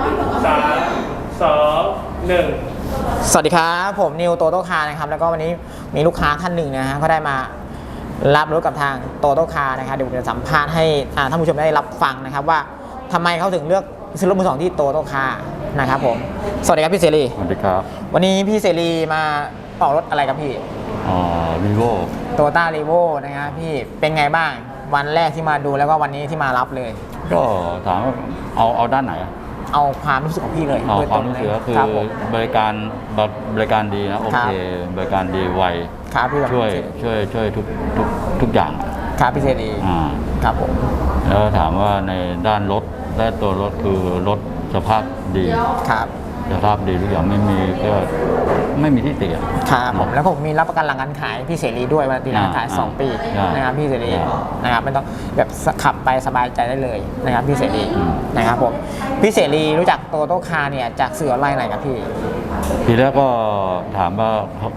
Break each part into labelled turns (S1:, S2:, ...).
S1: 3 2 1
S2: สวัสดีครับผมนิวโตโต้คาร์นะครับแล้วก็วันนี้มีลูกค้าท่านหนึ่งนะฮะก็ได้มารับรถกับทางโตโต้คาร์นะครับเดี๋ยวผมจะสัมภาษณ์ให้ท่านผู้ชมได้รับฟังนะครับว่าทำไมเขาถึงเลือกซื้อรถมือสองที่โตโต้คาร์นะครับผมสวัสดีครับพี่เสรี
S3: สวัสดีครับ
S2: วันนี้พี่เสรีมาออกรถอะไรครับพี่
S3: วีโว
S2: โตต้ารีโวนะครับพี่เป็นไงบ้างวันแรกที่มาดูแล้วก็วันนี้ที่มารับเลย
S3: ก็ถามว่าเอาด้านไหน
S2: เอาความรู้สึกของพี่เลย
S3: ความรู้สึกก็คือบริการดีนะโอเคบริการดีไวช่วยทุกอย่าง
S2: ครับพี่เสรีครับผม
S3: แล้วถามว่าในด้านรถและตัวรถคือรถสภาพดี
S2: ครับ
S3: สภาพดีทุกอย่างไม่มีที่ติ
S2: ครับผมแล้วผมมีรับประกันหลังการขายพี่เสรีด้วยวันที่หลังการขาย2 ปีนะครับพี่เสรีนะครับไม่ต้องแบบขับไปสบายใจได้เลยนะครับพี่เสรีนะครับผมพี่เสรีรู้จักโตโต้คาร์เนี่ยจากสื่อออนไลน์ไหนครับพี่
S3: ทีแรกก็ถามว่า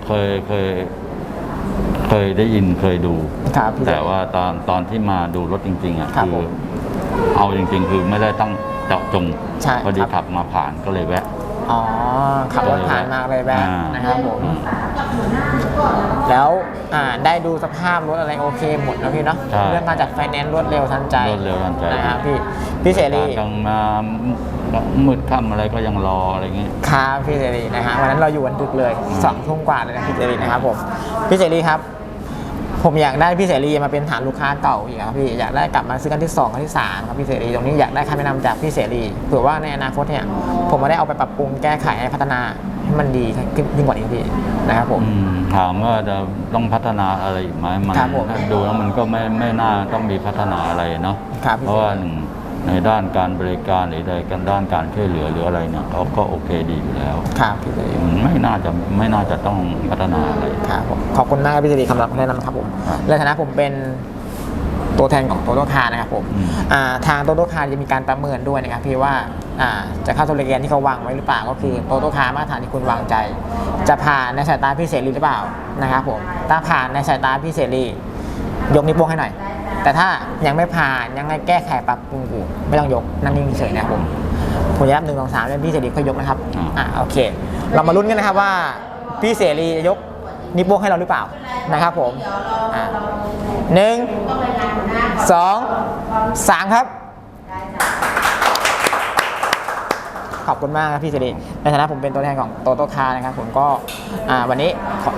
S3: เคยได้ยินเคยดูแต่ว่าตอนที่มาดูรถจริงๆอ่ะคือเอาจริงๆคือไม่ได้ตั้งเจาะจงพอดีขับมาผ่านก็เลยแวะ
S2: อ๋อขับรถผ่านมาเลยแวะนะครับผมแล้วได้ดูสภาพรถอะไรโอเคหมดนะพี่เนาะเรื่องการจัดไฟแนนซ์รวดเร็วทันใจนะครับพี่เสรี
S3: กลางมามืดค่ำอะไรก็ยังรออะไรเงี้ย
S2: ครับพี่เสรีนะฮะวันนั้นเราอยู่วันดึกเลย2 ทุ่มกว่าเลยนะพี่เสรีนะครับผมพี่เสรีครับผมอยากได้พี่เสรีมาเป็นฐานลูกค้าเก่าอีกครับพี่อยากได้กลับมาซื้อกันที่2กันที่3ครับพี่เสรีตรงนี้อยากได้คำแนะนำจากพี่เสรีเผื่อว่าในอนาคตเนี่ยผมมาได้เอาไปปรับปรุงแก้ไขพัฒนาให้มันดียิ่งกว่านี้พี่นะครับผม
S3: ถามว่าจะต้องพัฒนาอะไรอีกไหมมันดูแล้วมันก็ไม่น่าต้องมีพัฒนาอะไรเนาะเพราะว่าในด้านการบริการหรือในด้านการช่วยเหลือหรืออะไรเนี่ยเขาก็โอเคดีอยู่แล้ว
S2: ครับพี่เสรี
S3: ไม่น่าจะต้องพัฒนาอะไร
S2: ครับผมขอบคุณมากพี่เสรีคำรับแนะนำครับผมในฐานะผมเป็นตัวแทนของโตโต้คาร์นะครับผมทางโตโต้คาร์จะมีการประเมินด้วยนะครับพี่ว่าจะเข้าตัวเลนที่เขาวางไว้หรือเปล่าก็คือโตโต้คาร์มาตรฐานที่คุณวางใจจะผ่านในสายตาพี่เสรีหรือเปล่านะครับผมถ้าผ่านในสายตาพี่เสรียกนิ้วโป้งให้หน่อยแต่ถ้ายังไม่ผ่านยังไงแก้ไขปรับปรุงอยู่ไม่ต้องยกนั่งนิ่งเฉยนะครับผมจะนับ1 2 3แล้วพี่เสรีค่อยยกนะครับโอเคเรามาลุ้นกันนะครับว่าพี่เสรีจะยกนิ้วโป้งให้เราหรือเปล่านะครับผม1 2 3ครับขอบคุณมากครับพี่เสรีในฐานะผมเป็นตัวแทนของโตโต้คาร์นะครับผมก็วันนี้